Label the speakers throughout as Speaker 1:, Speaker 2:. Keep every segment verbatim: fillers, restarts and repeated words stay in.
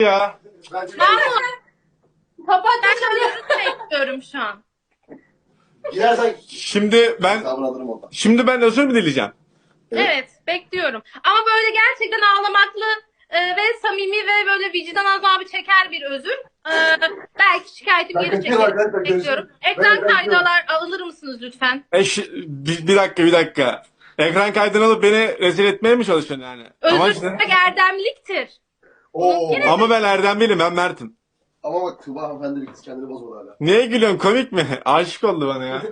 Speaker 1: ya.
Speaker 2: Bence
Speaker 3: Mahmut, kapat ben özür bekliyorum şu an.
Speaker 2: girersen
Speaker 1: Şimdi ben
Speaker 2: hesabını alırım ondan.
Speaker 1: şimdi ben özür mü dileyeceğim?
Speaker 2: Evet.
Speaker 3: Evet, bekliyorum. Ama böyle gerçekten ağlamaklı e, ve samimi ve böyle vicdan azabı çeker bir özür. E, belki şikayetim
Speaker 2: Ben
Speaker 3: geri
Speaker 2: kaçıyorum
Speaker 3: çekerim.
Speaker 2: arkadaşlar,
Speaker 3: Bekliyorum.
Speaker 2: görüşürüz.
Speaker 3: Ekran
Speaker 2: Ben- ben
Speaker 3: kaydalar alır mısınız lütfen?
Speaker 1: E, şi- bir, bir dakika bir dakika. Ekran kaydını alıp beni rezil etmeye mi çalışıyorsun yani? Ama
Speaker 3: Özür
Speaker 1: işte.
Speaker 3: dilemek erdemliktir.
Speaker 2: Oo.
Speaker 1: Ama ben Erdem değilim, ben Mert'im.
Speaker 2: Ama bak Tuğba hanımefendi bir kız kendini bozmadı hala.
Speaker 1: Niye gülüyorsun, komik mi? Aşık oldu bana ya.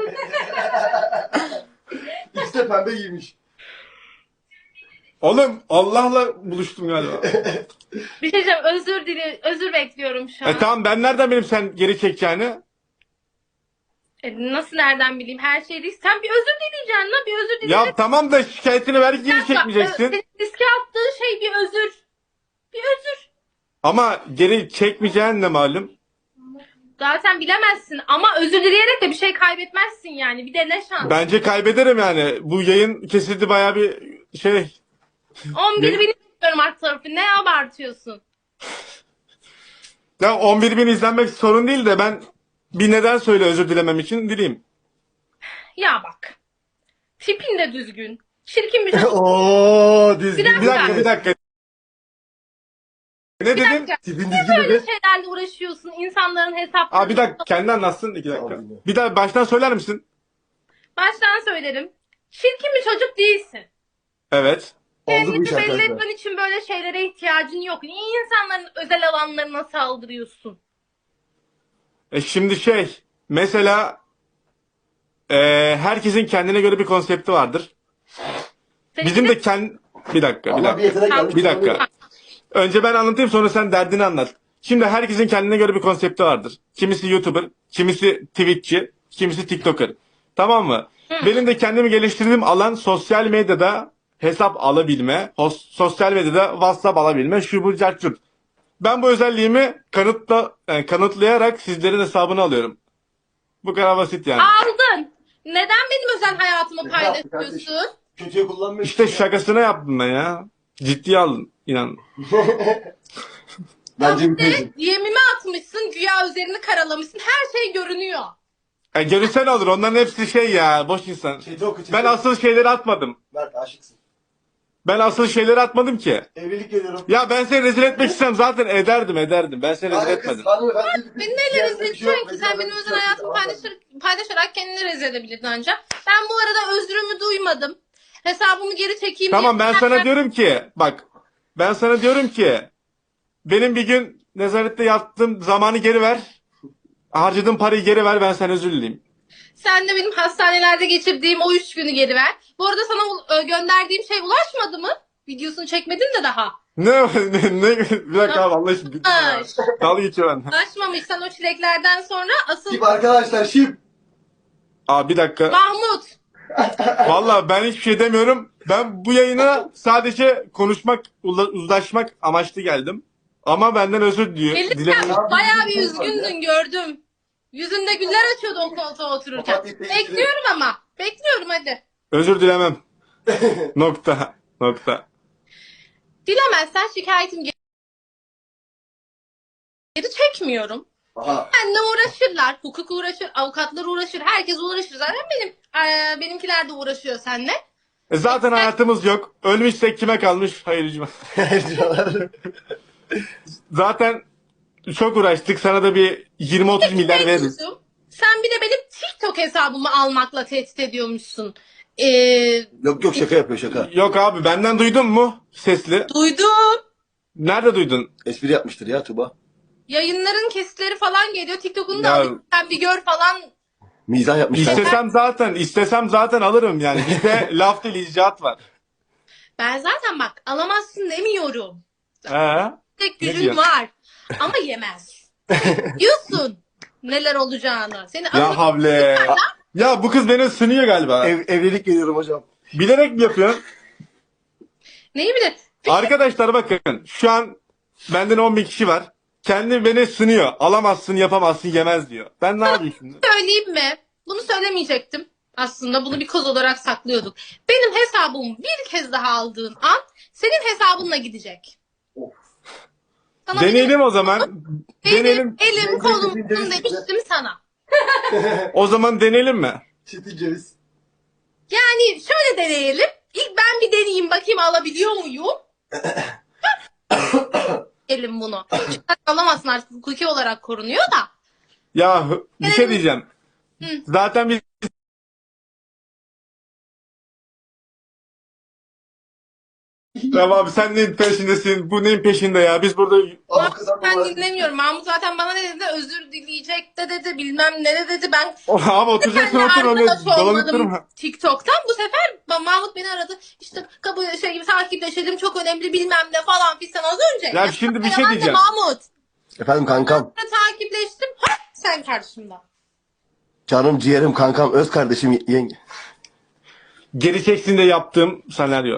Speaker 2: İkisi de pembe giymiş.
Speaker 1: Oğlum Allah'la buluştum galiba.
Speaker 3: Bir şey diyeceğim, özür dili, özür bekliyorum şu an.
Speaker 1: E tamam, ben nereden bileyim sen geri çekeceğini?
Speaker 3: E, nasıl nereden bileyim, her şey değil. Sen bir özür dileyeceksin lan, bir özür
Speaker 1: Ya
Speaker 3: dileyeceksin.
Speaker 1: tamam da şikayetini belki geri
Speaker 3: Bak, ö-
Speaker 1: çekmeyeceksin.
Speaker 3: Senin riske attığın şey bir özür. Bir özür.
Speaker 1: Ama geri çekmeyeceğin de malum.
Speaker 3: Zaten bilemezsin ama özür dileyerek de bir şey kaybetmezsin yani. Bir de ne şans.
Speaker 1: Bence kaybederim yani. Bu yayın kesildi, bayağı bir şey.
Speaker 3: on bir
Speaker 1: Ne?
Speaker 3: bin istiyorum alt tarafı. Ne abartıyorsun?
Speaker 1: Ya on bir bin izlenmek sorun değil de ben bir neden söyle özür dilemem için dileyim.
Speaker 3: Ya bak. Tipin de düzgün. Çirkin bir çocuk.
Speaker 2: Oo dizgin.
Speaker 3: Bir
Speaker 1: Bir dakika bir dakika. Ne dedin?
Speaker 3: dakika.
Speaker 2: Tipin
Speaker 3: Niye
Speaker 2: dizgin
Speaker 3: böyle
Speaker 2: dedi.
Speaker 3: şeylerle uğraşıyorsun? İnsanların hesaplarını.
Speaker 1: Aa bir dakika, kendi anlatsın iki dakika.
Speaker 2: Tamam,
Speaker 1: Bir daha baştan söyler misin?
Speaker 3: Baştan söylerim. Çirkin bir çocuk değilsin.
Speaker 1: Evet.
Speaker 2: Oldu bu iş
Speaker 3: Kendini belli
Speaker 2: arkadaşlar.
Speaker 3: etmen için böyle şeylere ihtiyacın yok. Niye insanların özel alanlarına saldırıyorsun?
Speaker 1: E şimdi şey, mesela e, herkesin kendine göre bir konsepti vardır.
Speaker 3: Senin
Speaker 1: Bizim de kendi... Bir dakika, bir
Speaker 2: Ama bir
Speaker 1: dakika.
Speaker 2: yetenek gelmiş.
Speaker 1: Bir dakika. Önce ben anlatayım, sonra sen derdini anlat. Şimdi herkesin kendine göre bir konsepti vardır. Kimisi YouTuber, kimisi Twitch'çi, kimisi TikToker. Tamam mı?
Speaker 3: Hı.
Speaker 1: Benim de kendimi geliştirdiğim alan sosyal medyada hesap alabilme, hos- sosyal medyada WhatsApp alabilme, şu bu cart curt. Ben bu özelliğimi kanıtla, yani kanıtlayarak sizlerin hesabını alıyorum. Bu kadar basit yani.
Speaker 3: aldın. Neden benim özel hayatımı
Speaker 2: Ne yaptı
Speaker 3: paylaşıyorsun?
Speaker 2: Kötüye kullanmıyor.
Speaker 1: İşte şakasına yaptım ben ya. Ciddiye alın, inan.
Speaker 2: Bence bir
Speaker 3: Bir de
Speaker 2: pejim.
Speaker 3: D M'imi atmışsın, güya üzerini karalamışsın. Her şey görünüyor.
Speaker 1: E, görünsen olur, onların hepsi şey ya, boş insan.
Speaker 2: Çete oku çete.
Speaker 1: Ben asıl şeyleri atmadım.
Speaker 2: Mert aşıksın.
Speaker 1: Ben asıl şeyleri atmadım ki.
Speaker 2: Evlilik geliyorum.
Speaker 1: Ya ben seni rezil etmek istem zaten ederdim ederdim. Ben seni rezil
Speaker 2: Hayır kız,
Speaker 1: etmedim.
Speaker 2: hanımefendi bir kız.
Speaker 3: Beni neyle
Speaker 2: Siyasete
Speaker 3: rezil
Speaker 2: bir şey yok,
Speaker 3: edeceksin ki? Sen benim
Speaker 2: bir
Speaker 3: özel
Speaker 2: şey yok.
Speaker 3: hayatımı
Speaker 2: Tamam.
Speaker 3: paylaşır, paylaşarak kendini rezil edebilirdin ancak. Ben bu arada özrümü duymadım. Hesabımı geri çekeyim
Speaker 1: Tamam,
Speaker 3: diye-
Speaker 1: ben sana diyorum ki bak, ben sana diyorum ki benim bir gün nezarette yattığım zamanı geri ver. Harcadığım parayı geri ver, ben sana özür dileyim.
Speaker 3: Sen de benim hastanelerde geçirdiğim o üç günü geri ver. Bu arada sana u- e, gönderdiğim şey ulaşmadı mı? Videosunu çekmedin de daha.
Speaker 1: Ne ne, ne bir dakika abi, Allah aşkına.
Speaker 3: Ay.
Speaker 1: Dalga geçiyor ben.
Speaker 3: Ulaşmamışsan o çileklerden sonra asıl
Speaker 2: Şip arkadaşlar şip.
Speaker 1: Aa bir dakika.
Speaker 3: Mahmut.
Speaker 1: Vallahi ben hiçbir şey demiyorum. Ben bu yayına sadece konuşmak, ula- uzlaşmak amaçlı geldim. Ama benden özür diliyor.
Speaker 3: Gelirken
Speaker 1: Dilerim.
Speaker 3: bayağı bir üzgündün, gördüm. Yüzünde güller açıyordu o koltuğa otururken.
Speaker 2: Kapat, yeter.
Speaker 3: Bekliyorum ama. Bekliyorum hadi.
Speaker 1: Özür dilemem. Nokta. Nokta.
Speaker 3: Dilemezsen şikayetim geri geri çekmiyorum.
Speaker 2: Aha.
Speaker 3: Benle uğraşırlar. Hukuk uğraşır, avukatlar uğraşır. Herkes uğraşır. Zaten benim eee, benimkiler de uğraşıyor seninle.
Speaker 1: E zaten hayatımız yok. Ölmüşsek kime kalmış? Hayırcı. Zaten çok uğraştık. Sana da bir yirmi otuz milyar veririz.
Speaker 3: Mevzusu, sen bir de benim TikTok hesabımı almakla tehdit ediyormuşsun. Ee,
Speaker 2: Yok yok şaka yapıyor şaka.
Speaker 1: Yok abi, benden duydun mu sesli?
Speaker 3: duydum.
Speaker 1: Nerede duydun?
Speaker 2: Espri yapmıştır ya Tuba.
Speaker 3: Yayınların kesitleri falan geliyor. TikTok'unu da
Speaker 1: Ya-
Speaker 3: alayım. Sen bir gör falan.
Speaker 2: Mizah yapmışlar.
Speaker 1: İstesem zaten, istesem zaten alırım yani. Bizde laf değil, icraat var.
Speaker 3: Ben zaten bak alamazsın demiyorum.
Speaker 1: He?
Speaker 3: Tek
Speaker 1: Ne
Speaker 3: gücün
Speaker 1: diyor?
Speaker 3: var. Ama yemez. Diyorsun neler olacağını. Seni
Speaker 1: Ya
Speaker 3: alıp-
Speaker 1: havle. Ya bu kız beni sınıyor galiba.
Speaker 2: Ev, evlilik geliyorum hocam.
Speaker 1: Bilerek mi yapıyorsun?
Speaker 3: Neyi bilir?
Speaker 1: Arkadaşlar bakın, şu an benden on bin kişi var. Kendi beni sınıyor. Alamazsın, yapamazsın, yemez diyor. Ben ne yapayım şimdi?
Speaker 3: Söyleyeyim mi? Bunu söylemeyecektim. Aslında bunu bir koz olarak saklıyorduk. Benim hesabımı bir kez daha aldığın an senin hesabınla gidecek. Sana bir
Speaker 1: Deneyelim o zaman.
Speaker 3: Benim
Speaker 1: Deneyelim.
Speaker 3: elim kolum
Speaker 2: Çetin ceviz
Speaker 3: demiştim sana.
Speaker 1: O zaman deneyelim mi?
Speaker 2: Çetin ceviz.
Speaker 3: Yani şöyle deneyelim. İlk ben bir deneyeyim bakayım alabiliyor muyum? Elim bunu. Çünkü alamazsın artık hukuki olarak korunuyor da.
Speaker 1: Ya bir şey diyeceğim.
Speaker 3: Hı.
Speaker 1: Zaten biz Ya abi sen neyin peşindesin? Bu neyin peşinde ya? Biz burada
Speaker 2: Ama kızartma
Speaker 3: Ben
Speaker 2: var.
Speaker 3: dinlemiyorum. Mahmut zaten bana ne dedi? Özür dileyecek de dedi. Bilmem ne de dedi. Ben
Speaker 1: abi oturacaksın
Speaker 3: seninle
Speaker 1: otur öyle
Speaker 3: arkadaş
Speaker 1: dolanıp
Speaker 3: olmadım
Speaker 1: durma.
Speaker 3: TikTok'tan. Bu sefer ba- Mahmut beni aradı. İşte kabul şey gibi takipleşelim. Çok önemli bilmem ne falan filan az önce.
Speaker 1: Ya şimdi bir şey
Speaker 3: ben de
Speaker 1: diyeceğim.
Speaker 3: Mahmut.
Speaker 2: Efendim kankam.
Speaker 3: Sonra takipleştim. Ha, sen karşımda.
Speaker 2: Canım ciğerim kankam. Öz kardeşim yenge.
Speaker 1: Geri çeksin de yaptığım senaryo.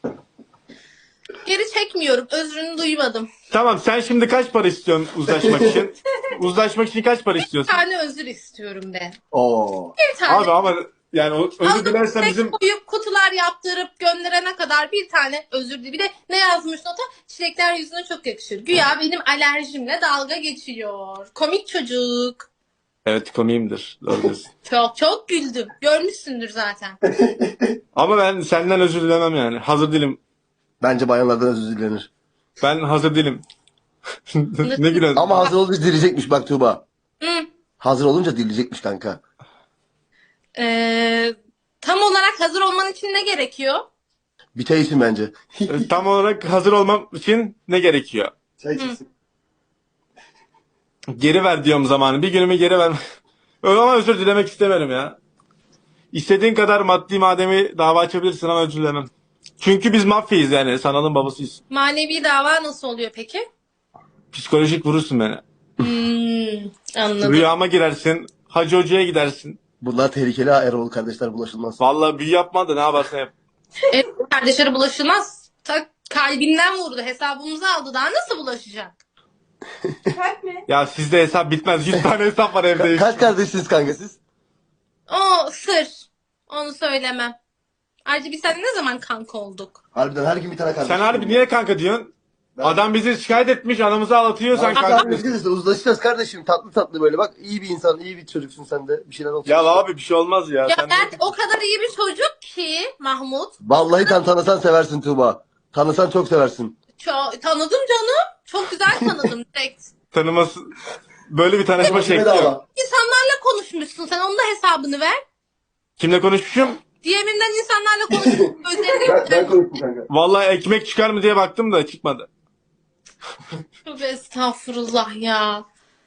Speaker 3: Geri çekmiyorum. Özrünü duymadım.
Speaker 1: Tamam sen şimdi kaç para istiyorsun uzlaşmak için? Uzlaşmak için kaç para
Speaker 3: Bir
Speaker 1: istiyorsun?
Speaker 3: tane özür istiyorum be.
Speaker 2: Oo.
Speaker 3: Bir tane.
Speaker 1: Abi ama yani o- özür
Speaker 3: Aldım,
Speaker 1: dilersen
Speaker 3: tek
Speaker 1: bizim
Speaker 3: koyup kutular yaptırıp gönderene kadar bir tane özür dili. Bir de ne yazmış nota? Çilekler yüzüne çok yakışır. Güya benim alerjimle dalga geçiyor. Komik çocuk.
Speaker 1: Evet komiyimdir. Doğru diyorsun.
Speaker 3: Çok çok güldüm. Görmüşsündür zaten.
Speaker 1: Ama ben senden özür dilemem yani. Hazır değilim.
Speaker 2: Bence bayanlardan özür dilenir.
Speaker 1: Ben hazır değilim. Ne gülüyorsun?
Speaker 2: Ama hazır olunca dileyecekmiş bak Tuğba.
Speaker 3: Hı.
Speaker 2: Hazır olunca dileyecekmiş kanka.
Speaker 3: Ee, tam olarak hazır olman için ne gerekiyor?
Speaker 2: Bir çay için bence.
Speaker 1: E, Tam olarak hazır olmam için ne gerekiyor?
Speaker 2: Çay
Speaker 3: içilsin.
Speaker 1: Geri ver diyorum zamanı. Bir günümü geri ver. Öyle ama özür dilemek istemiyorum ya. İstediğin kadar maddi mademi dava açabilirsin ama özür dilemem. Çünkü biz mafyayız yani. Sanalın babasıyız.
Speaker 3: Manevi dava nasıl oluyor peki?
Speaker 1: Psikolojik vurursun beni.
Speaker 3: Hmm, anladım.
Speaker 1: Rüyama girersin. Hacı hocaya gidersin.
Speaker 2: Bunlar tehlikeli ha Erol kardeşler bulaşılmaz.
Speaker 1: Vallahi büyü yapma da ne yaparsan yap.
Speaker 3: E, kardeşleri bulaşılmaz. Ta kalbinden vurdu. Hesabımızı aldı. Daha nasıl bulaşacak? Kalp mi?
Speaker 1: Ya sizde hesap bitmez. yüz tane hesap var evde.
Speaker 2: Ka- kaç kardeşsiniz kanka siz?
Speaker 3: O sır. Onu söylemem. Ayrıca biz seninle ne zaman kanka olduk?
Speaker 2: Harbiden her gün bir tane kardeş.
Speaker 1: Sen harbi niye kanka diyorsun? Adam bizi şikayet etmiş, anamızı ağlatıyor, sen
Speaker 2: Kanka,
Speaker 1: kanka
Speaker 2: biz
Speaker 1: diyorsun.
Speaker 2: işte uzlaşacağız kardeşim. Tatlı tatlı böyle bak. İyi bir insan, iyi bir çocuksun sen de. Bir şeyler olsun.
Speaker 1: Ya
Speaker 2: işte.
Speaker 1: abi bir şey olmaz ya.
Speaker 3: Ya
Speaker 1: Sen
Speaker 3: ben o kadar iyi bir çocuk ki Mahmut.
Speaker 2: Vallahi sen tanısan seversin Tuğba. Tanısan çok seversin.
Speaker 3: Çok, tanıdım canım. Çok güzel tanıdım direkt.
Speaker 1: tanıması böyle bir tanışma şekli yok.
Speaker 2: Bedava.
Speaker 3: İnsanlarla konuşmuşsun. Sen onun da hesabını ver.
Speaker 1: Kimle konuşmuşum?
Speaker 3: D M'imden insanlarla konuşmuşsun. Gözlerini
Speaker 2: Ben, ben konuştum kanka.
Speaker 1: Vallahi ekmek çıkar mı diye baktım da çıkmadı.
Speaker 3: Tövbe estağfurullah ya.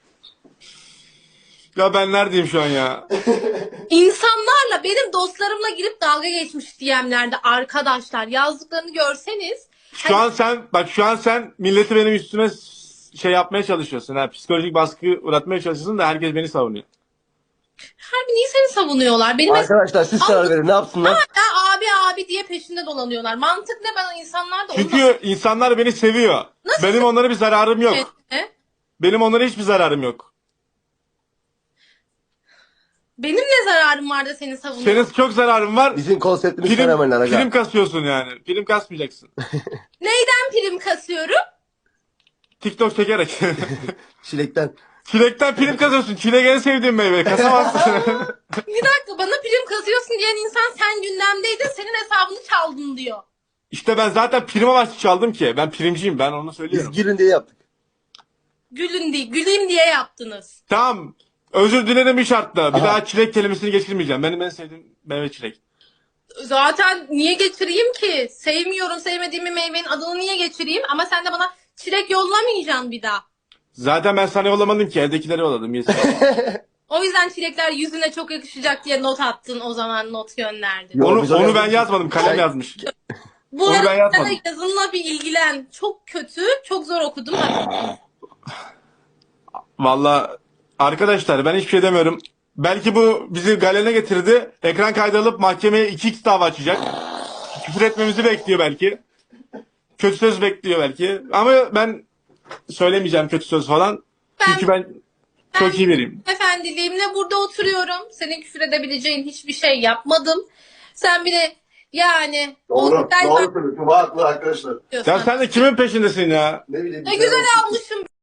Speaker 1: Ya ben neredeyim şu an ya?
Speaker 3: İnsanlarla benim dostlarımla girip dalga geçmiş D M'lerde arkadaşlar. Yazdıklarını görseniz.
Speaker 1: Şu an sen bak şu an sen milleti benim üstüme s- şey yapmaya çalışıyorsun. Ha, psikolojik baskı uğratmaya çalışıyorsun da herkes beni savunuyor.
Speaker 3: Harbi niye seni savunuyorlar? Benim
Speaker 2: Arkadaşlar siz karar verin ne yapsınlar?
Speaker 3: hala abi abi diye peşinde dolanıyorlar. Mantık ne? Ben insanlar da
Speaker 1: Çünkü insanlar beni seviyor.
Speaker 3: Nasıl?
Speaker 1: Benim onlara bir zararım yok.
Speaker 3: onunla...
Speaker 1: Benim onlara hiçbir zararım yok.
Speaker 3: Benim ne zararım var da seni savunuyor?
Speaker 1: Senin çok zararın var.
Speaker 2: Bizim konseptimiz
Speaker 1: Film,
Speaker 2: fenomenler aga.
Speaker 1: film kasıyorsun yani. Film kasmayacaksın.
Speaker 3: Neyden prim kasıyorum?
Speaker 1: TikTok çekerek.
Speaker 2: Çilekten.
Speaker 1: Çilekten film kasıyorsun. Çilek en sevdiğim meyve. Kasamazsın.
Speaker 3: Bir dakika bana prim kasıyorsun diyen insan sen gündemdeydin senin hesabını çaldın diyor.
Speaker 1: İşte ben zaten prim amaçlı çaldım ki. Ben primciyim. Ben onu
Speaker 2: Biz
Speaker 1: söylüyorum.
Speaker 2: girin diye yaptık.
Speaker 3: Gülün diye, güleyim diye yaptınız.
Speaker 1: Tamam. Özür dilerim bir şartla. Bir
Speaker 2: Aha.
Speaker 1: daha çilek kelimesini geçirmeyeceğim. Benim en sevdiğim meyve çilek.
Speaker 3: Zaten niye geçireyim ki? Sevmiyorum sevmediğim bir meyvenin adını niye geçireyim? Ama sen de bana çilek yollamayacaksın bir daha.
Speaker 1: Zaten ben sana yollamadım ki. Evdekileri yolladım. Yes.
Speaker 3: O yüzden çilekler yüzüne çok yakışacak diye not attın o zaman not gönderdin.
Speaker 2: Yo,
Speaker 1: onu
Speaker 2: biz
Speaker 1: onu ben
Speaker 2: yazmadık.
Speaker 1: yazmadım. Kalem
Speaker 2: Sen-
Speaker 1: yazmış.
Speaker 3: Bu
Speaker 1: onu ben
Speaker 3: arada
Speaker 1: yazmadım.
Speaker 3: yazınla bir ilgilen. Çok kötü, çok zor okudum.
Speaker 1: Valla arkadaşlar ben hiçbir şey demiyorum. Belki bu bizi galene getirdi. Ekran kaydı alıp mahkemeye iki x dava açacak. Küfür etmemizi bekliyor belki. Kötü söz bekliyor belki. Ama ben söylemeyeceğim kötü söz falan.
Speaker 3: Ben-
Speaker 1: Çünkü ben çok iyi biriyim.
Speaker 3: Efendiliğimle burada oturuyorum. Senin küfür edebileceğin hiçbir şey yapmadım. Sen bir de Yani.
Speaker 2: Doğru.
Speaker 3: o güzel
Speaker 2: Doğru söylüyor. Tuba haklı arkadaşlar.
Speaker 3: bakıyorsun.
Speaker 1: Ya sen de kimin peşindesin ya?
Speaker 2: Ne bileyim.
Speaker 3: Ne
Speaker 2: güzel
Speaker 3: güzel
Speaker 2: olsun.
Speaker 3: almışım